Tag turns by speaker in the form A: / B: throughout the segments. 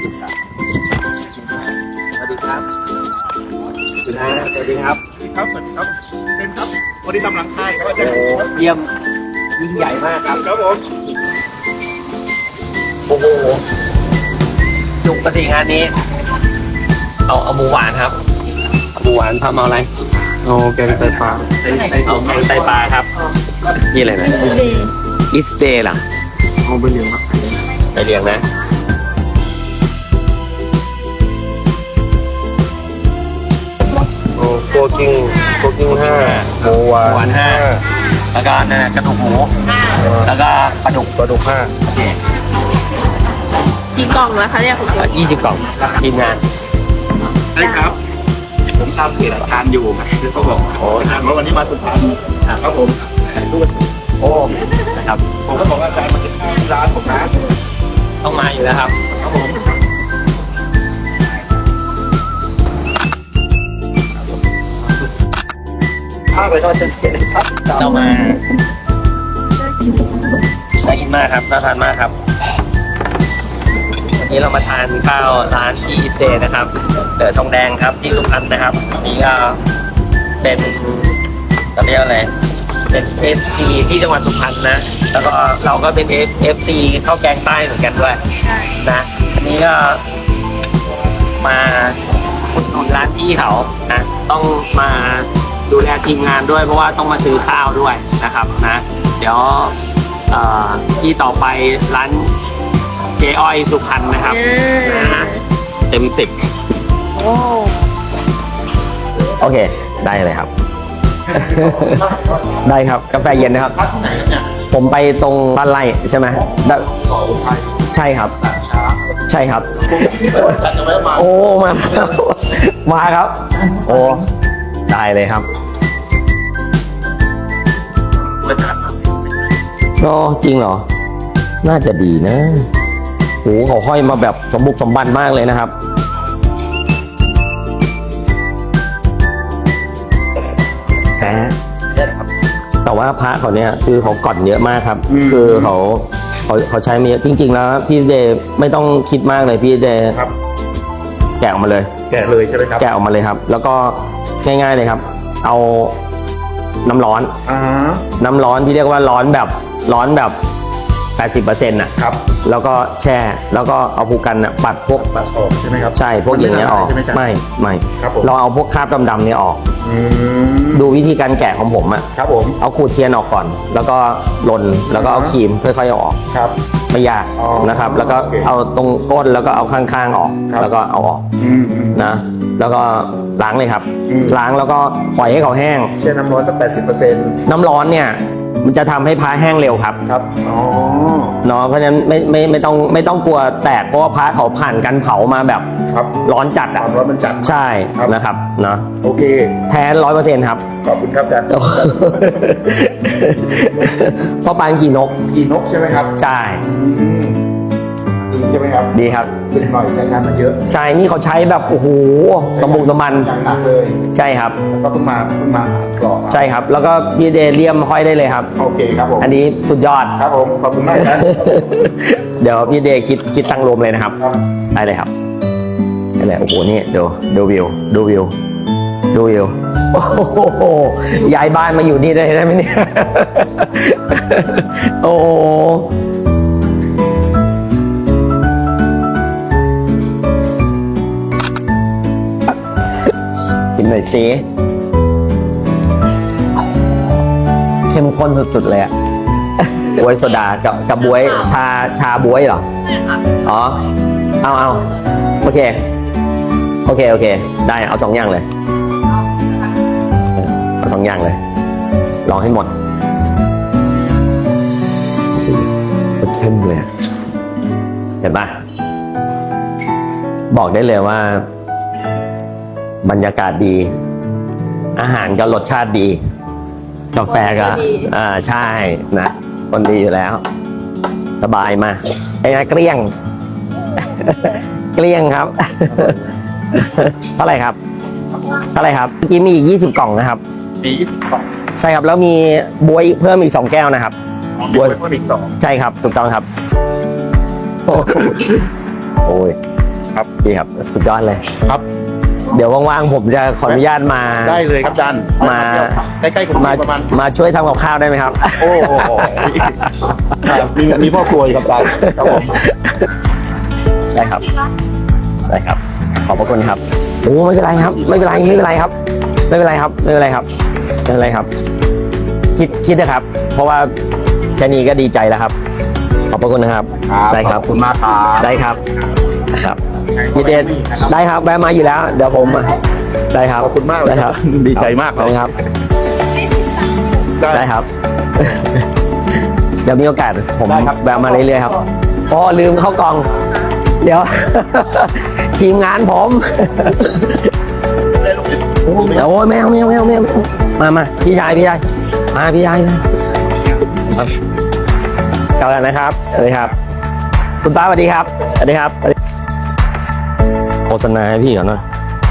A: สวัสดีครับคุณอาสวัสดีครับ
B: ครับสวัสดีครับเป็นครับวันนี้ทำหลังค่ายก็จะ
A: เยี่ยมยิ่งใหญ่มากครับ
B: ครับผม
A: โอ้โหจุกกระถิ่งงานนี้เอาหมูหวานครับหมูหวานทำเอาอะไร
B: โอ้แกงไตปลา
A: เอาแกงไตปลาครับนี่อะไรนะอิสเดย์ล่ะ
B: เอาไปเลี้ยงมาขาย
A: ไปเรียงนะ
B: โอ้โคกิ้ง5หมูหวาน
A: 5แล้วก็นั่นนะกระดูกหมูแล้วก็ปลาดุก
B: 5
C: กี่กล่องแล้วคะเนี่ยคุณครู
A: 20 กล่องทีมงาน
B: ใช่ครับผมทราบเพจทานอยู่คือเขาบอกโอ้ทานแล้ววันนี้มาสุพรรณครับผมดู
A: โอ้นะครับ
B: ผมก็บอกว่าอาจารย์มากินข้าวที่ร้านผมนะ
A: ต้องมาอยู่แล้วครับ
B: ครับผมข้าวไปทอดเส้นครับ
A: เรามาน่ากินมากครับน่าทานมากครับวันนี้เรามาทานข้าวร้านที่สเตย์นะครับทองแดงครับที่สุพรรณนะครับนี่ก็เป็นเราเรียกอะไรเป็น FC ที่จังหวัดสุพรรณนะแล้วก็เราก็เป็น FC ข้าวแกงใต้เหมือนกันด้วยนะอันนี้ก็มาอุดหนุนร้านพี่เขานะต้องมาดูแลทีมงานด้วยเพราะว่าต้องมาซื้อข้าวด้วยนะครับนะเดี๋ยวที่ต่อไปร้านเจ๊อ้อยสุพรรณนะครับนะเต็ม 10
C: โอ้
A: โอเคได้เลยครับ ได้ครับกาแฟเย็นนะครับ ผมไปตรงบ้านไร่ใช่ไหมได้
B: สองไทย
A: ใช่ครับ
B: ช้า
A: ใช่ครับ
B: จัดจะไว้มา
A: โอ้มามาครับ โอ้ได้เลยครับก็จริงเหรอ น่าจะดีนะโอ้เขาห้อยมาแบบสมบุกสมบันมากเลยนะครับแหมแต่ว่าพระเขาเนี่ยคือเขาก่อนเยอะมากครับ คือเขาใช้มาเยอะจริง ๆ แล้วพี่เดย์ไม่ต้องคิดมากเลยพี่เดย์
B: ครับ
A: แกะออกมาเลย
B: แกะเลยใช่ไหมครับ
A: แกะออกมาเลยครับ แล้วก็ง่ายๆเลยครับ เอาน้ำร้อน น้ำร้อนที่เรียกว่าร้อนแบบ 80%น่ะ
B: ครับ
A: แล้วก็แช่แล้วก็เอาภูกันน่ะปัดพวก
B: ปัดออกใช่ไหมครับ
A: ใช่พวกอย่างเงี้ยออก
B: ใช่ไหมจ๊ะ
A: ไม่
B: ครับผม
A: เราเอาพวกคราบดำๆเนี่ยออก
B: อืม
A: ดูวิธีการแกะของผมอ่ะ
B: ครับผม
A: เอาขูดเทียนออกก่อน แล้วก็ลนแล้วก็เอาครีมค่อยๆเอาออก
B: ครับ
A: ไม่ยาก
B: อ๋อ
A: นะครับ แล้วก็
B: โอเค
A: เอาตรงก้นแล้วก็เอาข้างๆออก
B: ครับ
A: แล้วก็เอาออก
B: อืม
A: นะแล้วก็ล้างเลยครับ
B: อืม
A: ล้างแล้วก็ปล่อยให้เขาแห้ง
B: แช่น้ำร้อนตั้ง80%
A: น้ำร้อนเนี่ยมันจะทำให้พระแห้งเร็วครับ
B: ครับอ๋อ
A: เนาะเพราะฉะนั้นไม่ต้องกลัวแตกเพราะว่าพระเขาผ่านการเผามาแบบ
B: ครับ
A: ร้อนจัด
B: ค
A: อ่ะ
B: วามร้อนมันจัด
A: ใช่
B: ครับ
A: นะครับเนาะ
B: โอเค
A: แท้100%ครับ
B: ขอบคุณครับอาจารย์
A: เพราะปางขี่นก
B: กีนกใช่ไหมครับ
A: ใช่
B: อืมดีใช่ไหมครับ
A: ดีครับ
B: ตึงหน่อยใช้งานมาเยอะ
A: ใช่นี่เขาใช้แบบโอ้โหสมบุกสมบัน
B: อย่างหนักเลย
A: ใช่ครับ
B: แล้วก็เพิ่งมากรอก
A: ใช่ครับ แล้วก็พี่เดเลียมห้อยได้เลยครับ
B: โอเคครับผม
A: อันนี้สุดยอด
B: ครับผมขอบคุณมากครับ
A: เดี๋ยวพี่เดคิดตังค์รวมเลยนะครับ
B: ครับ
A: ได้เลยครับได้เลยโอ้โหนี่ดูวิวดูวิวดูวิวโอ้โหย้ายบ้านมาอยู่นี่ได้ไหมเนี่ย โอ้โหกินหน่อยสิเข้มข้นสุดๆเลยอะบวยโซดากับบวยชาบวยเหรอ
C: ใช่ค่ะ
A: อ๋อ เอาโอเค ได้เอา2 อย่างเลย เอา2 อย่างเลย ลองให้หมดเข้มเลยอะเห็นปะบอกได้เลยว่า บรรยากาศดี อาหารก็รสชาติดี กาแฟก็ใช่นะคนดีอยู่แล้ว สบายมาไอ้เกลี้ยง เกลี้ยงครับ เท่าไหร่ครับเมื่อกี้มีอีก20 กล่องนะครับ
B: ดี20 กล่อง
A: ใช่ครับแล้วมีบวยเพิ่มอีก2 แก้วนะครับ
B: บวยเพิ่มอีก2
A: ใช่ครับถูกต้องครับ โอ้ย
B: ครับ
A: ดีครับสุดยอดเลย
B: ครับ
A: เดี๋ยวว่างๆผมจะขออนุญาตมา
B: ได้เลยครับอาจารย์
A: มา
B: ใกล้ๆกรุงเทพประมาณ
A: มาช่วยทำกับข้าวได้ไหมครับ
B: โอ้โหมีพ่อครัวอยู่ครับอาจารย์ครับผม
A: ได้ครับ ได้ครับ ขอบพระคุณครับโอ้ไม่เป็นไรครับ ไม่เป็นไรไม่เป็นไรครับ ไม่เป็นไรครับไม่เป็นไรครับไม่เป็นไรครับ คิดนะครับ เพราะว่าแค่นี้ก็ดีใจแล้วครับ ขอบพระคุณนะครับ ได้ครับ
B: ขอบคุณมากครับ
A: ได้ครับครับยินดีได้ครับแวะมาอยู่แล้ว เดี๋ยวผมได้ครับ
B: ขอบคุณมากเลย
A: ได้ครับ
B: ดีใจมากเลย
A: ได้ครับ ได้ครับ เดี๋ยวมีโอกาสผม
B: ได้ครับ
A: แวะมาเรื่อยๆครับอ๋อลืมเข้ากล่อง เดี๋ยว ทีมงานผมเดี๋ยวโอ้ยแมวมาพี่ชายมาพี่ชายครับกลับแล้วนะครับสวัสดีครับ คุณป้าสวัสดีครับสวัสดีครับโฆษณาให้พี่ก่อนหน่อย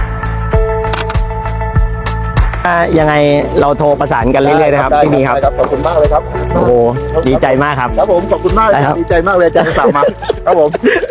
A: ยังไงเราโทรประสานกันเรื่อยๆนะครับพี่ดีครับ
B: ขอบคุณมากเลยครับ
A: โอ้โหดีใจมากครับ
B: ครับผมขอบคุณมากเลย
A: ได้ครับ
B: ดีใจมากเลยอาจารย์สั่งมาครับผม